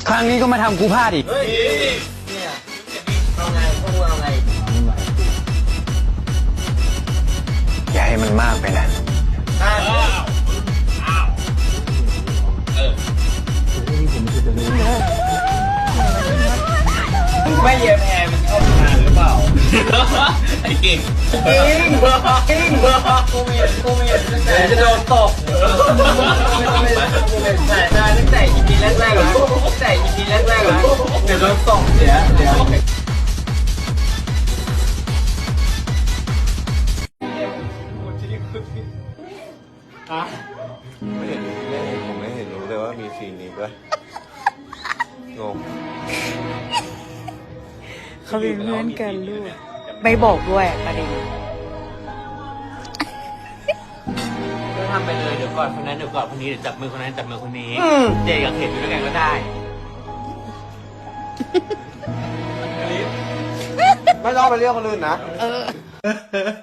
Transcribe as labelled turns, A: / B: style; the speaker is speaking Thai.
A: ครั้งนี้ก็มาทำกูพลาดอีก
B: เฮ้ยเนี่ยเอาไงพวกมึงเอาไง
A: อย่าให้มันมากไปนะ
B: ไม่เย็บแอร์มันเข้าทางหรือเปล่าไอ้เก่งกิ้งกูไม่เห็นตั้งแต่จะโดนตกแต่ตั้งแต่ EP แรกๆแล้วตั้งแต่ EP แรกๆแล้วเดี๋ยวโดนตกเดี๋ยว
C: ผมไม่เห็นรู้เลยว่ามีซีนนี้ด้วยงง
D: เขาเป็นเพื่อนกันลูก ไม่บอกด้วยประเด็น
B: ก็ทำไปเลยเดี๋ยวก่อนคนนั้นเดี๋ยวก่อนคนนี้เดี๋ยวจับมือคนนั้นจับมือคนนี้เด็กกับเข็มอยู่ด้วยกันก็ได้
C: ไม่ต้องไปเรียกคนอื่นนะ
D: เออ